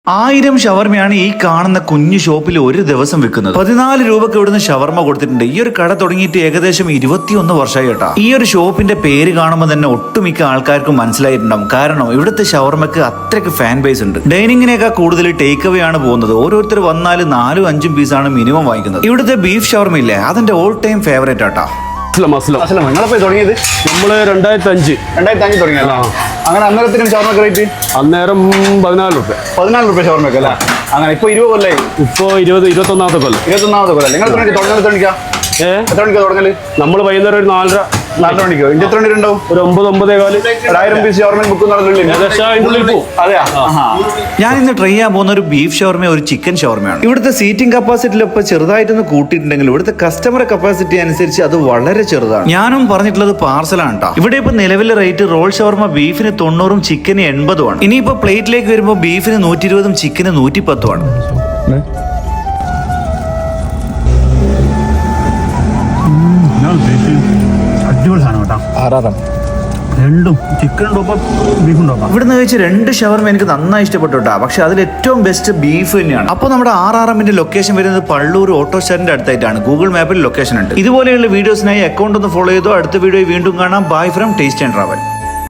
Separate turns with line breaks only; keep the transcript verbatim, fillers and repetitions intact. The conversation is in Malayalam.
ആയിരം ഷവർമയാണ് ഈ കാണുന്ന കുഞ്ഞു ഷോപ്പിൽ ഒരു ദിവസം വിൽക്കുന്നത്. പതിനാല് രൂപക്ക് ഇവിടുന്ന് ഷവർമ കൊടുത്തിട്ടുണ്ട്. ഈ ഒരു കട തുടങ്ങിയിട്ട് ഏകദേശം ഇരുപത്തിയൊന്ന് വർഷമായി കേട്ടോ. ഈ ഒരു ഷോപ്പിന്റെ പേര് കാണുമ്പോൾ തന്നെ ഒട്ടുമിക്ക ആൾക്കാർക്കും മനസ്സിലായിട്ടുണ്ടാവും. കാരണം ഇവിടുത്തെ ഷവർമക്ക് അത്രയ്ക്ക് ഫാൻ ബേസ് ഉണ്ട്. ഡൈനിങ്ങിനേക്കാൾ കൂടുതൽ ടേക്ക് അവേ ആണ് പോകുന്നത്. ഓരോരുത്തർ വന്നാൽ നാലും അഞ്ചും പീസാണ് മിനിമം വാങ്ങിക്കുന്നത്. ഇവിടുത്തെ ബീഫ് ഷവർമ ഇല്ലേ, അതിന്റെ ഓൾ ടൈം ഫേവറേറ്റ് ആട്ടാ.
തുടങ്ങിയത് നമ്മള് രണ്ടായിരത്തി അഞ്ച്
രണ്ടായിരത്തി അഞ്ച് തുടങ്ങിയല്ലോ. അങ്ങനെ അന്നേരത്തിനും ഷവർമ റേറ്റ്
അന്നേരം പതിനാല് റുപ്യ
പതിനാല് റുപ്യ ഷവർമക്ക് അല്ലേ? അങ്ങനെ ഇപ്പൊ ഇരുപത് കൊല്ലേ?
ഇപ്പൊ ഇരുപത് ഇരുപത്തൊന്നാമത്തെ കൊല്ലം
ഇരുപത്തൊന്നാമത്തെ കൊല്ലം. നിങ്ങൾ എത്ര മണിക്ക് തുടങ്ങൽ? തുടങ്ങിക്കാം
ഏഹ്
എത്ര മണിക്കാ തുടങ്ങല്?
നമ്മള് വൈകുന്നേരം ഒരു നാലര
നാല് മണിക്കോ? ഇഞ്ചി എത്ര മണി ഉണ്ടാവും?
ഒരു ഒമ്പത് ഒമ്പതേ കാല്
ഒരായിരം പീസ് ഷവർമ ബുക്ക് നടന്നില്ലേ? അതെയാ.
ഞാൻ ഇന്ന് ട്രൈ ചെയ്യാൻ പോകുന്ന ഒരു ബീഫ് ഷവർമ ഒരു ചിക്കൻ ഷവർമയാണ്. ഇവിടുത്തെ സീറ്റിംഗ് കപ്പാസിറ്റിയിലൊപ്പം ചെറുതായിട്ടൊന്ന് കൂട്ടിയിട്ടുണ്ടെങ്കിൽ ഇവിടുത്തെ കസ്റ്റമർ കപ്പാസിറ്റി അനുസരിച്ച് അത് വളരെ ചെറുതാണ്. ഞാനും പറഞ്ഞിട്ടുള്ളത് പാർസലാണ് കേട്ടോ. ഇവിടെ ഇപ്പൊ നിലവിലെ റേറ്റ് റോൾ ഷവർമ ബീഫിന് തൊണ്ണൂറും ചിക്കന് എൺപതുമാണ്. ഇനിയിപ്പോ പ്ലേറ്റിലേക്ക് വരുമ്പോൾ ബീഫിന് നൂറ്റി ഇരുപതും ചിക്കന് നൂറ്റി പത്തുമാണ്.
അടിപൊളി സാധനം കേട്ടോ.
ആറാറാം
രണ്ടും ചിക്കനുണ്ടോ ബീഫുണ്ടോ?
ഇവിടുന്ന് കഴിച്ച് രണ്ട് ഷവർമ എനിക്ക് നന്നായി ഇഷ്ടപ്പെട്ടു കേട്ടോ. പക്ഷെ അതിൽ ഏറ്റവും ബെസ്റ്റ് ബീഫ് തന്നെയാണ്. അപ്പോൾ നമ്മുടെ ആർ ആർ എമ്മിന്റെ ലൊക്കേഷൻ വരുന്നത് പള്ളൂർ ഓട്ടോ സ്റ്റാൻഡിന്റെ അടുത്തായിട്ടാണ്. ഗൂഗിൾ മാപ്പിൽ ലൊക്കേഷൻ ഉണ്ട്. ഇതുപോലെയുള്ള വീഡിയോസിനായി അക്കൗണ്ട് ഒന്ന് ഫോളോ ചെയ്തോ. അടുത്ത വീഡിയോ വീണ്ടും കാണാം. Bye from taste and travel.